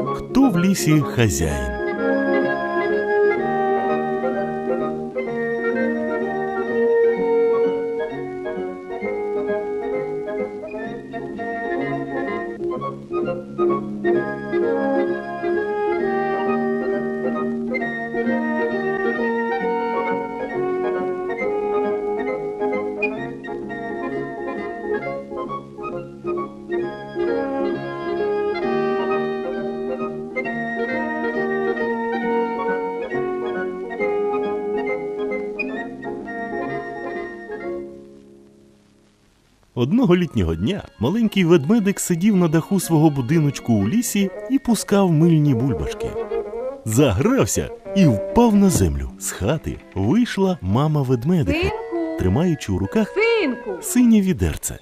Хто в лісі хазяїн? Одного літнього дня маленький ведмедик сидів на даху свого будиночку у лісі і пускав мильні бульбашки. Загрався і впав на землю. З хати вийшла мама ведмедика, Синку! тримаючи у руках Синку! синє відерце.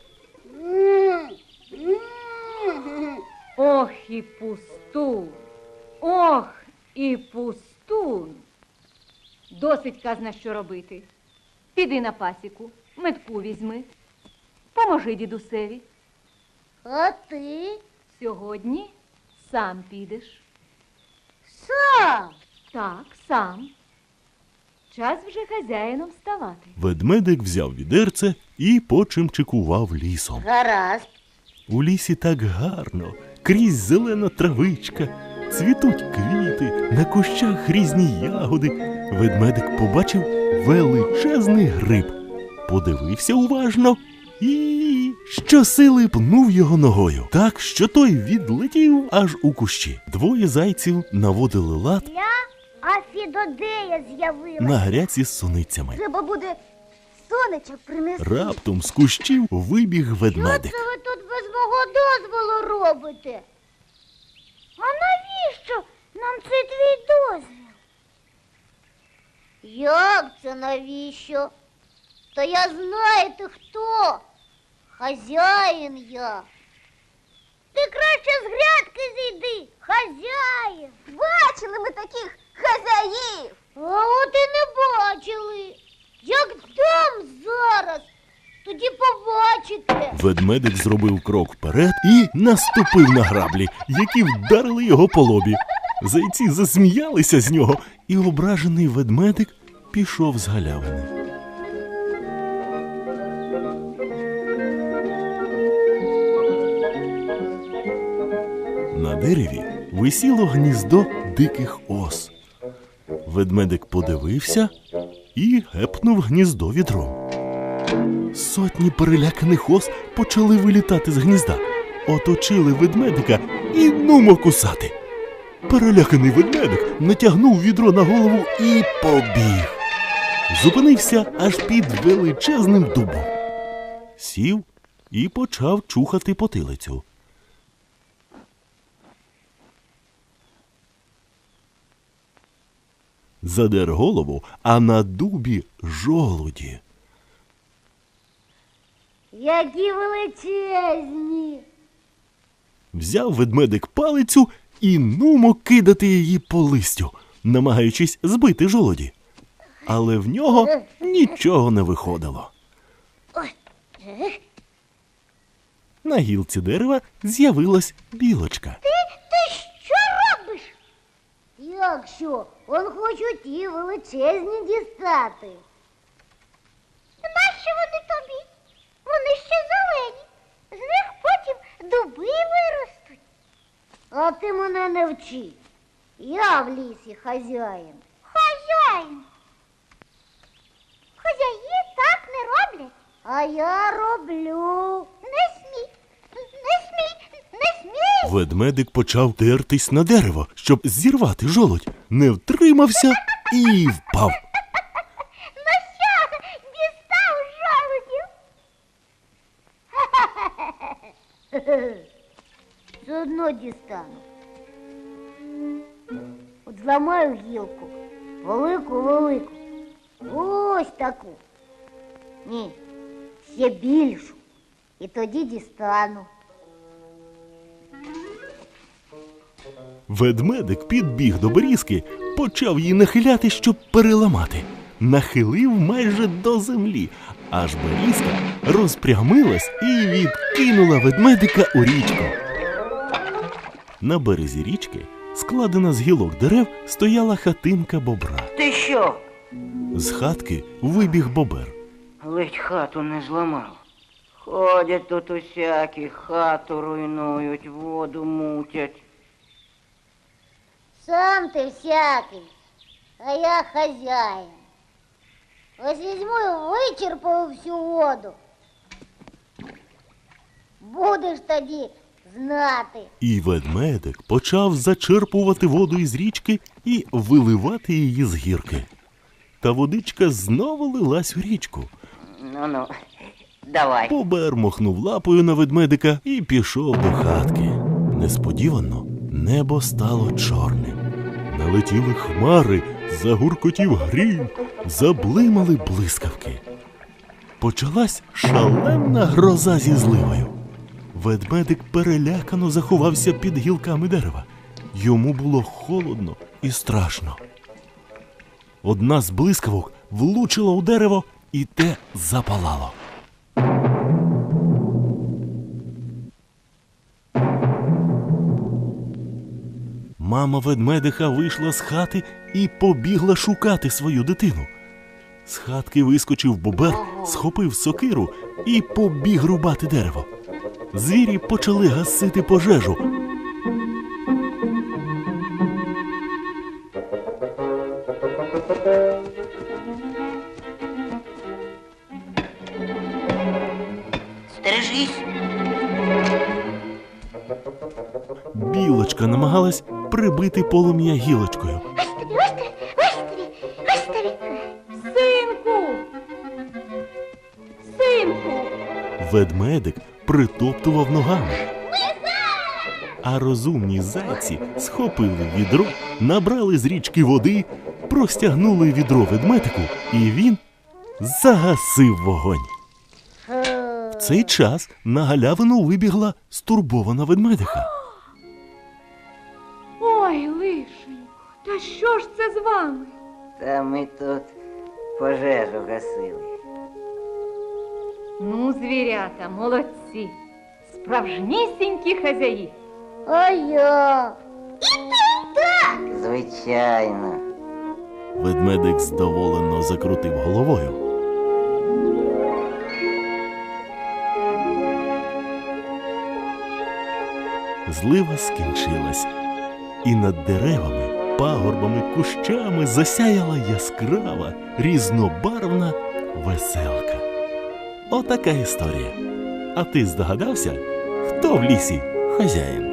Ох і пустун! Ох і пустун! Досить казна, що робити. Піди на пасіку, метку візьми. Поможи дідусеві. А ти? Сьогодні сам підеш. Сам? Так, сам. Час вже хазяїном ставати. Ведмедик взяв відерце і почимчикував лісом. Гаразд. У лісі так гарно, крізь зелена травичка, цвітуть квіти, на кущах різні ягоди. Ведмедик побачив величезний гриб, подивився уважно і щосили пнув його ногою, так, що той відлетів аж у кущі. Двоє зайців наводили лад А Фідодея з'явилась. на гряці з суницями. Треба буде сонечок принести. Раптом з кущів вибіг ведмедик. Що це ви тут без мого дозволу робите? А навіщо нам цей твій дозвіл? Як це навіщо? Та я знаю, ти хто? Хазяїн я. Ти краще з грядки зійди, хазяїн. Бачили ми таких хазяїв. А от і не бачили. Як дам зараз, тоді побачите. Ведмедик зробив крок вперед і наступив на граблі, які вдарили його по лобі. Зайці засміялися з нього, і ображений ведмедик пішов з галявини. На дереві висіло гніздо диких ос. Ведмедик подивився і гепнув гніздо відром. Сотні переляканих ос почали вилітати з гнізда, оточили ведмедика і нумо кусати. Переляканий ведмедик натягнув відро на голову і побіг. Зупинився аж під величезним дубом. Сів і почав чухати потилицю. Задер голову, а на дубі жолуді. Які величезні. Взяв ведмедик палицю і нумо кидати її по листю, намагаючись збити жолуді. Але в нього нічого не виходило. На гілці дерева з'явилась білочка. Ти що робиш? Як що? Он хочу ті величезні дістати. Нащо вони тобі? Вони ще зелені. З них потім дуби виростуть. А ти мене не вчи. Я в лісі хазяїн. Хазяїн? Хазяї так не роблять. А я роблю. Не смій, не смій, не смій. Ведмедик почав тертись на дерево, щоб зірвати жолудь. Не втримався і впав. Ну що, дістав жолудів? Все одно дістану. От зламаю гілку. Велику-велику. Ось таку. Ні, ще більшу. І тоді дістану. Ведмедик підбіг до берізки, почав її нахиляти, щоб переламати. Нахилив майже до землі, аж берізка розпрямилась і відкинула ведмедика у річку. На березі річки, складена з гілок дерев, стояла хатинка бобра. Ти що? З хатки вибіг бобер. Ледь хату не зламав. Ходять тут усякі, хату руйнують, воду мутять. Сам ти всякий, а я хазяїн. Ось візьму і вичерпаю всю воду. Будеш тоді знати. І ведмедик почав зачерпувати воду із річки і виливати її з гірки. Та водичка знову лилась у річку. Ну-ну, давай. Бобер махнув лапою на ведмедика і пішов до хатки. Несподівано небо стало чорним. Налетіли хмари, загуркотів грім, заблимали блискавки. Почалась шаленна гроза зі зливою. Ведмедик перелякано заховався під гілками дерева. Йому було холодно і страшно. Одна з блискавок влучила у дерево, і те запалало. Мама ведмедиха вийшла з хати і побігла шукати свою дитину. З хатки вискочив бобер, схопив сокиру і побіг рубати дерево. Звірі почали гасити пожежу. Стережись. Білочка намагалась прибити полум'я гілочкою. Синку! Синку! Ведмедик притоптував ногами. А розумні зайці схопили відро, набрали з річки води, простягнули відро ведмедику, і він загасив вогонь. В цей час на галявину вибігла стурбована ведмедиха. Ой, лишенько, та що ж це з вами? Та ми тут пожежу гасили. Ну, звірята, молодці, справжнісінькі хазяї. А я. Звичайно. Ведмедик здоволено закрутив головою. Злива скінчилась, і над деревами, пагорбами, кущами засяяла яскрава, різнобарвна веселка. Отака історія. А ти здогадався, хто в лісі хазяїн?